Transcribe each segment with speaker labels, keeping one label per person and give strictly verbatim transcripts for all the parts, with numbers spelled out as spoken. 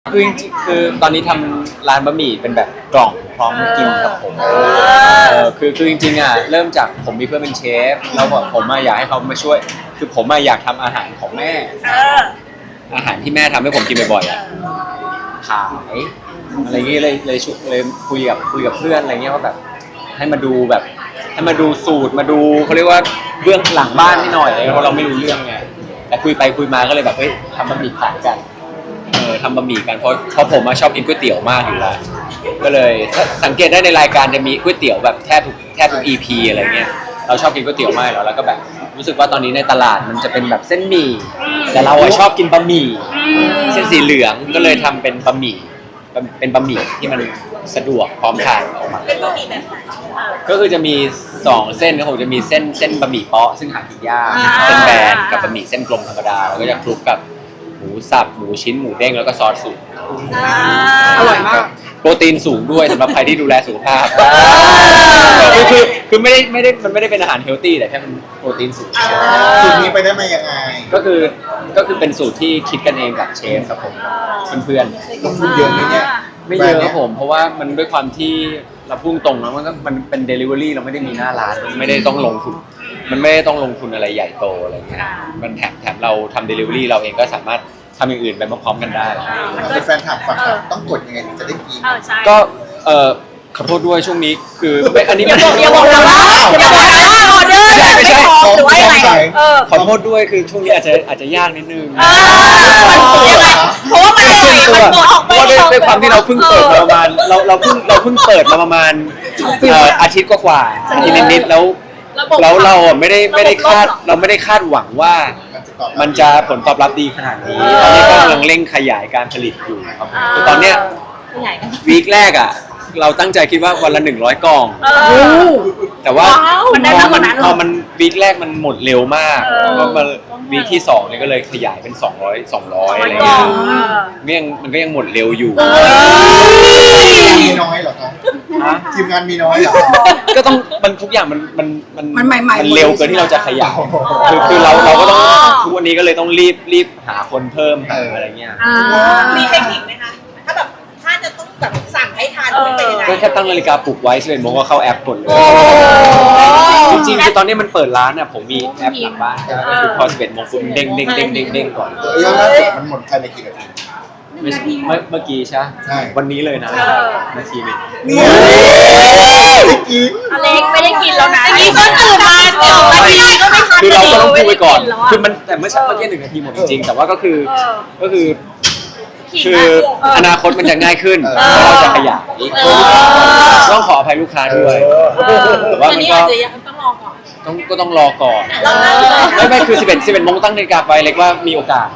Speaker 1: คือจริงๆคือตอนนี้ทำร้านบะหมี่เป็นแบบกล่องพร้อมกินกับผมเออคือคือจริงๆอ่ะเริ่มจากผมมีเพื่อนเป็นเชฟแล้วแบบผมมาอยากให้เขามาช่วยคือผมมาอยากทำอาหารของแม่อาหารที่แม่ทำให้ผมกินบ่อยๆอ่ะขายอะไรอย่างเงี้ยเลยเลยชุเลยคุยกับคุยกับเพื่อนอะไรเงี้ยว่าแบบให้มาดูแบบให้มาดูสูตรมาดูเขาเรียกว่าเบื้องหลังบ้านให้หน่อยอะไรเงี้ยเพราะเราไม่รู้เรื่องไงแต่คุยไปคุยมาก็เลยแบบเฮ้ยทำบะหมี่ขายกันเออทำบะหมี่กันเพราะเพราะผมมาชอบกินก๋วยเตี๋ยวมากอยู่แล้วก็เลยสังเกตได้ในรายการจะมีก๋วยเตี๋ยวแบบแทบทุกแทบทุก อี พี อะไรเงี้ยเราชอบกินก๋วยเตี๋ยวมากแล้วแล้วก็แบบรู้สึกว่าตอนนี้ในตลาดมันจะเป็นแบบเส้นหมี่แต่เราชอบกินบะหมี่เส้นสีเหลืองก็เลยทำเป็นบะหมี่เป็นบะหมี่ที่มันสะดวกพร้อมทานออกมาเป็นบะหมี่แบบก็คือจะมีสองเส้นก็คงจะมีเส้นเส้นบะหมี่เปาะซึ่งหากินยากเส้นแบนกับบะหมี่เส้นกลมธรรมดาแล้วก็จะคลุกกับหมูสับหมูชิ้นหมูเด้งแล้วก็ซอสสูตร
Speaker 2: อร่อยมาก
Speaker 1: โปรตีนสูงด้วยสำหรับใครที่ดูแลสุขภาพคือคือคือไม่ได้ไม่ได้มันไม่ได้เป็นอาหารเฮลตี้แต่แค่มันโปรตีนสูง
Speaker 2: สูตรนี้ไปได้มายังไง
Speaker 1: ก็คือก็คือเป็นสูตรที่คิดกันเองกับเชฟครับผมเพื่อน
Speaker 2: ลงทุนเยอะไหมเนี่ย
Speaker 1: ไม่เยอะครับผมเพราะว่ามันด้วยความที่เราพุ่งตรงแล้วมันก็มันเป็น delivery เราไม่ได้มีหน้าร้านมันไม่ได้ต้องลงทุนมันไม่ได้ต้องลงทุนอะไรใหญ่โตอะไรเงี้ยมันแถมแถมเราทำ delivery เราเองก็สามารถทำอย่างอื่นไปพร้อมๆกันได้
Speaker 2: เป็นแฟนคลับฝักต้องกดยังไงถึงจะได้กิน
Speaker 1: ก็เออขอโทษด้วยช่วงนี้คือไม่อันนี้ไม่
Speaker 3: อย่าบอกนะอย่าบอกนะออเดอร์ไม่พอหรือว่าอะไร
Speaker 1: ขอโทษด้วยคือช่วงนี้อาจจะอาจจะยากนิดนึง
Speaker 3: เพราะว่ามันอร่อยมันหมดออกไป
Speaker 1: เพราะด้วยความที่เราเพิ่งเปิดมาประมาณเราเราเพิ่งเราเพิ่งเปิดมาประมาณอาทิตย์กว่าอาทิตย์นิดๆแล้วแล้วเราอ่ะไม่ได้ไม่ได้คาดเราไม่ได้คาดหวังว่ามันจะผลตอบรับดีขนาดนี้ตอนนี้ก็กำลังเร่งขยายการผลิตอยู่ครับคือตอนเนี้ยวีคแรกอ่ะเราตั้งใจคิดว่าวันละหนึ่งร้อยกล่องแต่ว่า
Speaker 3: มันได้มากกว่านั้น
Speaker 1: พอมันวีคแรกมันหมดเร็วมากก็มาวีคที่สองเนี่ยก็เลยขยายเป็นสองร้อย สองร้อยอะไรเงี้ยมันยังมันก็ยังหมดเร็วอยู่
Speaker 2: มีน้อยเหรอครับทีมงานมีน้อยเหรอ
Speaker 1: ก็ต้องมันทุกอย่างมันมันมัน
Speaker 3: มันใหม่ๆ
Speaker 1: มันเร็วเกินที่เราจะขยายคือคือเราเราก็ต้องทุกวันนี้ก็เลยต้องรีบรีบหาคนเพิ่มอะไรเงี้ย
Speaker 3: มีเทคนิคไหมคะถ้าแบบถ้าจะต้องแบบสั่งให้ทานเป็นยังไง
Speaker 1: ก็แค่ตั้งนาฬิกาปลุกไว้สิบเอ็ดโมงก็เข้าแอปกดเลยจริงๆคือตอนนี้มันเปิดร้านเนี่ยผมมีแอปหลังบ้านก็คือพอสิบเอ็ดโมงปุ๊บเด้งเด้งเด้งเด้งเด้งก่อน
Speaker 2: เออล่าสุดมันหมดภายในกี่นาที
Speaker 1: เมื่อเมื่อกี้ใช่ใช่วันนี้เลยนะนาทีนึง
Speaker 3: อเล็กไม่ได้กินแล้วนะนี่ก็ตื่นมาเดี๋ยวนาทีก็ไม่ทัน
Speaker 1: คือเราก็ต้องพูดไปก่อนคือมันแต่เมื่อเช้าเมื่อกี้หนึ่งนาทีหมดจริงๆแต่ว่าก็คือก็คือคืออนาคตมันจะง่ายขึ้นเราจะขยายต้องขออภัยลูกค้าด้วยแต่ว่ามันก็
Speaker 3: ต้องรอก่อน
Speaker 1: ต้องก็ต้องรอก่อนไม่ไม่คือสิบเอ็ด สิบเอ็ดโมงตั้งนาฬิกาไปเล็กว่ามีโอกาส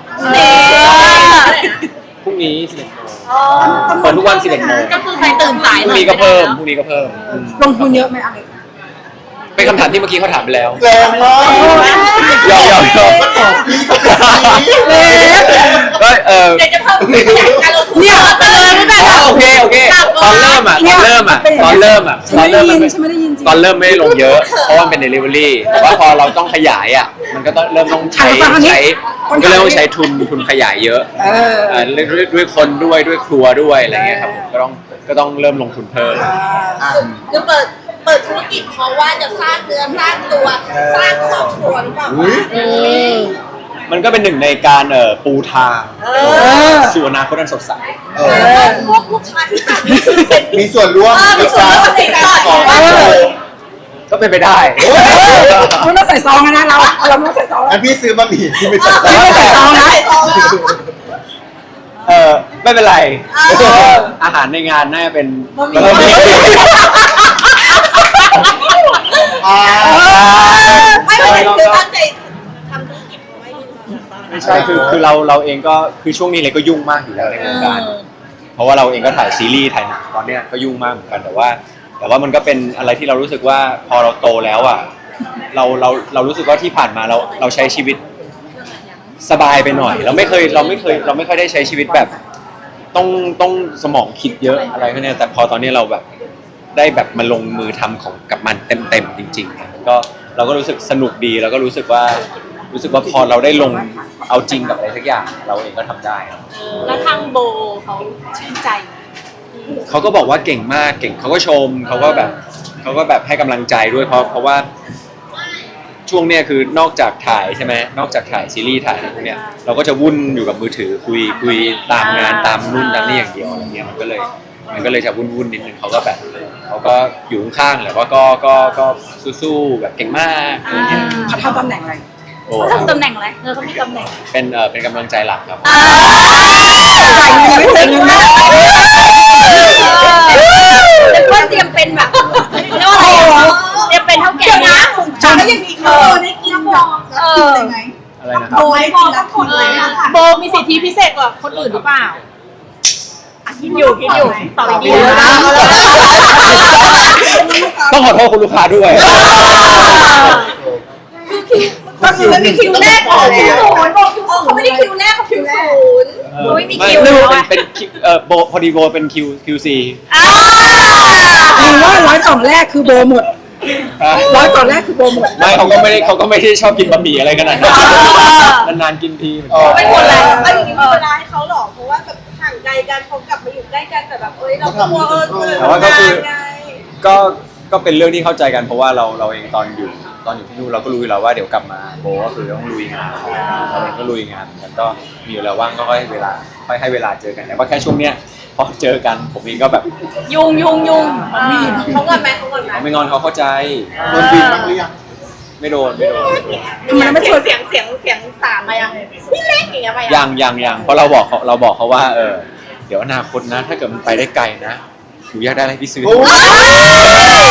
Speaker 1: พรุ่งนี้สิบเอ็ดโมงเปิดทุกวันสิบเอ็ดโมง
Speaker 3: ก็คือใครตื่นสาย
Speaker 1: พรุ่งนี้ก็เพิ่มพรุ่งนี้ก็เพิ่ม
Speaker 3: ลงทุนเยอะไหมอะไร
Speaker 1: เป็นคำถามที่เมื่อกี้เขาถามไปแล้ว
Speaker 2: แรงมาก
Speaker 1: ยอมยอมยอม
Speaker 2: ก็ตอบพี่ก็ตอบพี่
Speaker 1: ก็เออ
Speaker 3: เดี๋ยวจะเพิ่มการลงทุนเนี่ยเติมไม่ได้
Speaker 1: โอเคโอเคตอนเริ่มอ่ะตอนเริ่มอ่ะตอนเริ่มอ่ะตอนเริ่มมันตอนเริ่มไม่ได้ลงเยอะเพราะว่าเป็น delivery แต่ว่าพอเราต้องขยายอ่ะมันก็ต้องเริ่มต้องใช้ใช้มันก็เริ่มต้องใช้ทุนทุนขยายเยอะด้วยด้วยคนด้วยด้วยครัวด้วยอะไรเงี้ยครับก็ต้องก็ต้องเริ่มลงทุนเพิ่ม
Speaker 3: คือเปิดเปิดธุรกิจเพราะว่าจะสร้างเนื้อสร้างตัวสร้างครอบครัวหรือเปล่า
Speaker 1: มันก็เป็นหนึ่งในการเอ่อปูทางสู่อนาคตอันสดใส
Speaker 3: พวกลูกค้าที่สั่ง
Speaker 2: มีส่วนร่วม
Speaker 3: ในการของ
Speaker 1: ก็เป็นไปได้
Speaker 3: ไม่ต้องใส่ซองนะเราเราไม่ใส่ซอง
Speaker 2: อันพี่ซื้อบะหมี่ที่ไม่ใส่
Speaker 3: ซองนะ
Speaker 1: เออไม่เป็นไรอาหารในงานน่าจะเป็นบะหมี่
Speaker 3: ไม่ไม่คือตั้งใจทำธุรกิจเอาไว้ดีกว่า
Speaker 1: ไม่ใช่คือคือเราเราเองก็คือช่วงนี้เลยก็ยุ่งมากอยู่แล้วในวงการเพราะว่าเราเองก็ถ่ายซีรีส์ถ่ายหนังตอนเนี้ยก็ยุ่งมากเหมือนกันแต่ว่าแต่ว่ามันก็เป็นอะไรที่เรารู้สึกว่าพอเราโตแล้วอ่ะเราเราเรารู้สึกว่าที่ผ่านมาเราเราใช้ชีวิตสบายไปหน่อยเราไม่เคยเราไม่เคยเราไม่ค่อยได้ใช้ชีวิตแบบต้องต้องสมองคิดเยอะอะไรพวกนี้แต่พอตอนนี้เราแบบได้แบบมาลงมือทำของกับมันเต็มๆจริงๆก็เราก็รู้สึกสนุกดีแล้วก็รู้สึกว่ารู้สึกว่าพอเราได้ลงเอาจริงกับอะไรสักอย่างเราเองก็ทำได้ครับ
Speaker 4: แล้วทางโบเขาชื่นใจ
Speaker 1: เขาก็บอกว่าเก่งมากเก่งเขาก็ชมเขาก็แบบเขาก็แบบให้กำลังใจด้วยเพราะเพราะว่าช่วงเนี้ยคือนอกจากถ่ายใช่ไหมนอกจากถ่ายซีรีส์ถ่ายอะไรพวกเนี้ยเราก็จะวุ่นอยู่กับมือถือคุยคุยตามงานตามนู่นตามนี่อย่างเดียวอะไรเงี้ยมันก็เลยมันก็เลยจะวุ่นวุ่นนิดนึงเขาก็แบบเขาก็อยู่ข้างๆแหละว่าก็ก็ก็สู้ๆแบบเก่งมากอะไรเงี้ย
Speaker 5: เขาทำตำแหน่งอะไร
Speaker 1: โอ้
Speaker 4: เขาทำตำแหน่งอะไรเออเขามีตำแหน่ง
Speaker 1: เป็นเออเป็นกำลังใจหลักครับ
Speaker 5: จ่ายเงินไม่เต็มเลยนะ
Speaker 4: แต่ก็เตรียมเป็นแบบเรียกว่าอะไรอะเตรียมเป็นเท่าแก่นะ
Speaker 5: ฉันก็ยังมีเขาได้กินดอกได้ไหม
Speaker 1: อะไรนะครับ
Speaker 5: โอ้ยกินแล้วคนเลยอะค่ะ
Speaker 4: โบมีสิทธิพิเศษกว่าคนอื่นหรือเปล่าอ่ะคิดอยู่คิดอยู่ตอบดีๆนะ
Speaker 1: ต้องขอโทษคุณลูกค้าด้วย
Speaker 5: ก็คือไม่มีคิวแรกของคิวศูนย์บอกคิว
Speaker 3: เขาไม่ได้คิวแรกเขาคิวศูนย์
Speaker 4: โบไม่มี
Speaker 1: ไม่
Speaker 4: คิว
Speaker 1: ไม่
Speaker 4: แล้ว
Speaker 1: เป็น
Speaker 4: อะ
Speaker 1: เป็นคิวเอ่อโบพอดีโบเป็นคิวคิวซี
Speaker 4: อ่า
Speaker 5: หรือว่าร้อยกล่องแรกคือโบหมดร้อยกล่องแรกคือโบหมด
Speaker 1: ไม่เขาก็ไม่ได้เขาก็ไม่ได้ชอบกินบะหมี่อะไรขนาดนั้นนานๆกินทีเหมือนกัน
Speaker 3: เป็นคนแรกเอาอย่างนี้มีเวลาให้เขาหรอเพราะว่าแบบห่างไกลกันเขากลับมาอยู่ใกล้กันแต่แบบเอ้ยเรากลัวเออเออ
Speaker 1: แต่ว่าก็คือ
Speaker 3: ไง
Speaker 1: ก็ก็เป็นเรื่องที่เข้าใจกันเพราะว่าเราเราเองตอนอยู่ตอนอยู่ที่นู่นเราก็รู้อยู่แล้วว่าเดี๋ยวกลับมาโบก็คือต้องลุยงานเราเองก็ลุยงานเหมือนกันก็มีอยู่แล้วว่างก็ค่อยให้เวลาค่อยให้เวลาเจอกันแต่ว่าแค่ช่วงเนี้ยพอเจอกันผมเองก็แบบ
Speaker 4: ยุงยุงยุง
Speaker 3: เขาเงินไหมเขาเงินไหม
Speaker 1: เขาไม่งอนเขาเข้าใจ
Speaker 2: โดนบินบ้างหรือยัง
Speaker 1: ไม่โดนไม่โดน
Speaker 5: ทำไมไม่
Speaker 3: เสี
Speaker 5: ช
Speaker 3: ย
Speaker 5: ว
Speaker 3: ง
Speaker 5: น
Speaker 3: เสียงเสียงเสียงสามมายังพี่เล็กอย่างเงี้ยมา
Speaker 1: ยั
Speaker 3: ยัง
Speaker 1: ยังยังเพราะเราบอกเขาเราบอกเขาว่าเออเดี๋ยวอนาคตนะ ถ้าเกิดมันไปได้ไกลนะหนูอยากได้อะไรพี่ซื้อ
Speaker 2: โอ้ย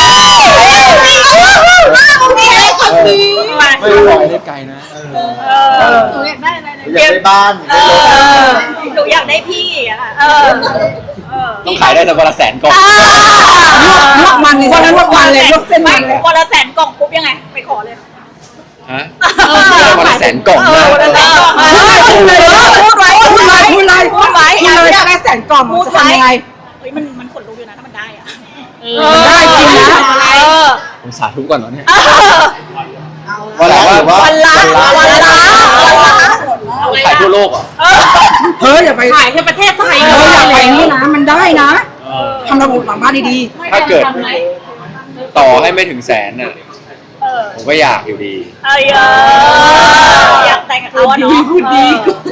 Speaker 1: ไม่รู้ไปได้ไกลนะ
Speaker 4: เออหนูอยากได้อะไรนะ
Speaker 2: อยากได้บ้าน
Speaker 4: เออหนูอยากได้พี่อะค่ะเออเออ
Speaker 1: ต้องขายได้แต่วันละแสนก่อน
Speaker 5: ลวกมันเลยวันนั้นลวกมันเลยลวกเส้นมันเลย
Speaker 4: วันละแสนกล่องปุ๊บยังไงไปขอเลย
Speaker 1: ฮะวันละแสนกล่อง
Speaker 4: เอ
Speaker 1: นะ
Speaker 4: อวันละแสนกล่อง
Speaker 5: พูดเลยพูดไว้พูดเลยพูดเลย
Speaker 4: พูดไว้
Speaker 5: พูดเลยได้แสนกล่องจะทำยังไง
Speaker 4: เฮ้ยมันมันขนลุกอยู่นะถ้ามันได้อะ
Speaker 5: มันได้จริงนะ
Speaker 4: เออ
Speaker 1: ผมสาธุก่อนเนาะเนี่ย
Speaker 2: วันละหรือว่า
Speaker 4: วันละวันละวันละ
Speaker 1: ขายทั่วโลกเหรอ
Speaker 5: เฮ้ยอย่าไป
Speaker 4: ขายแค่ประเทศไทย
Speaker 5: เฮ้ยอย่าไปนี่นะมันได้นะทำระบบหลังบ้านดี
Speaker 1: ถ้าเกิดต่อให้ไม่ถึงแสนน่ะผมก็อยากอยู่ดี
Speaker 4: เอ้ยอยากแต่งกับเขาอะเนาะ
Speaker 5: พูดดี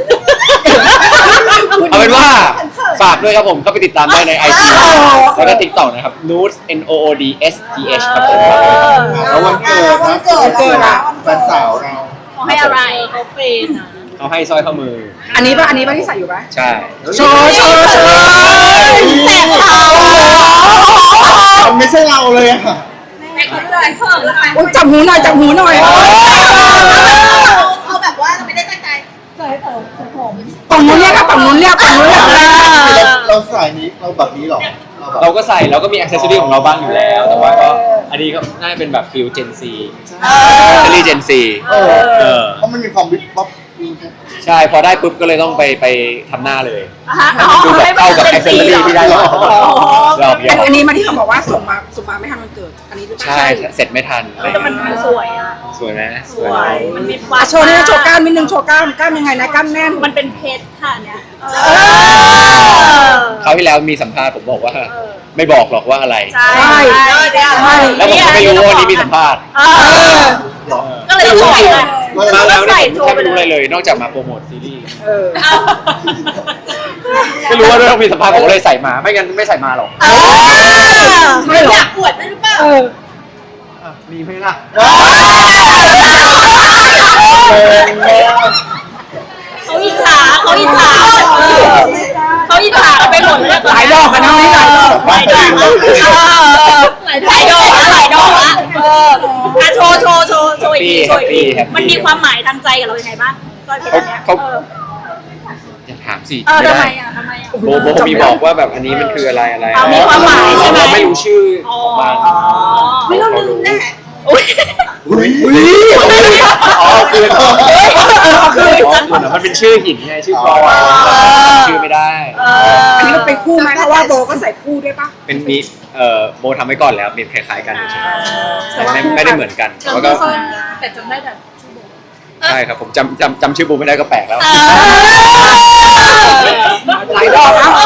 Speaker 1: เอาเป็นว่าฝากด้วยครับผมเข้าไปติดตามได้ใน ไอ จี แล้วก็ TikTok นะครับ Nood N O O D S T H ครับผม
Speaker 2: แล้ววันเกิดนะวันเกิดนะแฟนสาวเรา
Speaker 4: เขาให้อะไรเขาเป็นอะ
Speaker 1: เขาให้สร้อยข้อมือ
Speaker 5: อันนี้ป่ะอันนี้ป่ะที่ใส่อยู่ป่ะ
Speaker 1: ใช่
Speaker 5: โชว์โชว์โชว์
Speaker 4: แสบเท้า
Speaker 2: มันไม่ใช่เราเลยอะ
Speaker 3: ไอ้คนเลยเพิ่มแล้วกัน
Speaker 5: โอ้ยจับหูหน่อยจับหูหน่อย
Speaker 3: เอาแบบว่าเราไม่ได้ตั้งใจ
Speaker 5: ฝั่งนู้นเรียกครับฝั่งนู้นเรียกฝั่งนู้นเรียก
Speaker 2: เราสายนี้เราแบบนี้หรอเราแบบ
Speaker 1: เราก็ใส่เราก็มี accessory ของเราบ้างอยู่แล้ว แต่ว่าก็อันนี้ก็น่าจะเป็นแบบฟิล Gen Z accessory Gen Z
Speaker 2: เออ
Speaker 1: เออ
Speaker 2: เพราะมันมีความวิบวับ
Speaker 1: ใช่พอได้ปุ๊บก็เลยต้องไปไปทำหน้าเลย
Speaker 4: ฮะ
Speaker 1: ดูแบบเข้ากับ accessory ที่ได้มาเราเย
Speaker 5: อัน
Speaker 1: อะ
Speaker 5: อันนี้มาที่เขาบอกว่าส่งมาส่งมาไม่ทันวันเกิด อันนี้หรือเปล่า
Speaker 1: ใช่เสร็จไม่ทัน
Speaker 4: แต่มันสวยอ่ะ
Speaker 1: สวยไหม
Speaker 4: สวย มันมีควา
Speaker 5: อ่ะ
Speaker 4: ม
Speaker 5: โชว์นี่นะโชว์กล้ามนิดนึงโชว์กล้ามกล้ามยังไงนะกล้ามแน่น
Speaker 4: มันเป็นเพชรค่ะเนี่ย
Speaker 1: คราวที่แล้วมีสัมภาษณ์ผมบอกว่า ไม่บอกหรอกว่าอะไร
Speaker 4: ใช่
Speaker 5: ใช่
Speaker 4: ใช่
Speaker 1: แล้วผมก็ไม่รู้ว่าวันนี้มีสัมภาษณ์
Speaker 4: เออก็เลยต้องปล่อยเลย
Speaker 1: มาแล้ว
Speaker 4: ใส่
Speaker 1: เนี่ย
Speaker 4: โช
Speaker 1: ผม
Speaker 4: ว์
Speaker 1: แทบ
Speaker 4: ไป
Speaker 1: ไม่รู้
Speaker 4: เล
Speaker 1: อะไร
Speaker 4: ย
Speaker 1: เลย นอกจากมาโปรโมทซีรีส์
Speaker 5: เออ
Speaker 1: ไม่รู้ว่าต้องมีสัมภาษณ์ผมเลยใส่มา ไม่งั้นไม่ใส่มาหรอก
Speaker 5: ไม่หรอ
Speaker 3: อยากอวดด้วยหรือเปล่า
Speaker 5: เออ
Speaker 1: มีไหมล่ะ
Speaker 4: เขาอิจฉาเขาอิจฉาเออเขาอิจฉาไปหมดเลย
Speaker 5: หลายดอกอะนะวันนี้หลายดอก
Speaker 4: หลายดอกอะหลายดอกอะหลายดอกอะเอออ่ะโชว์โชว์โชว์โชว์อีกทีโชว์อีกทีมันมีความหมายทางใจกับเรายังไงบ้างตอนเพชรเนี่ย
Speaker 1: เขา
Speaker 4: เออ
Speaker 1: อย่าถามสิ
Speaker 4: เออ
Speaker 1: ไม่
Speaker 4: ทำไม
Speaker 1: ได้
Speaker 4: อ่ะทำไมอ่ะ
Speaker 1: โบโบมีบอกว่าแบบอันนี้มันคืออะไรอะไร
Speaker 4: เอามีความหมายใช่ไหม
Speaker 1: เราไม่รู้ชื่อของมัน
Speaker 3: ไม่ต้องลืมแน่
Speaker 4: อุ้ย
Speaker 2: อุ้ย
Speaker 1: อ๋อคืนอ๋อ
Speaker 5: เอาคืน
Speaker 1: คืนมันเป็นชื่อหินไงชื่อปลอยชื่อไม่ได้
Speaker 4: เออ
Speaker 5: อันนี้มันเป็นคู่ไหมเพราะว่าโบก็ใส่คู่ด้วยปะ
Speaker 1: เป็นมีเอ่อโบทำไว้ก่อนแล้วเป็นคล้ายๆกันเฉยๆแต่ไม่ไม่ได้เหมือนกันแล้วก็
Speaker 4: แต่จำได้แต่
Speaker 3: เ
Speaker 1: ใช่ครับผมจำจำจำชื่อบูมไม่ได้ก็แปลกแล้ว
Speaker 4: เออ
Speaker 5: หลายรอบแล้ว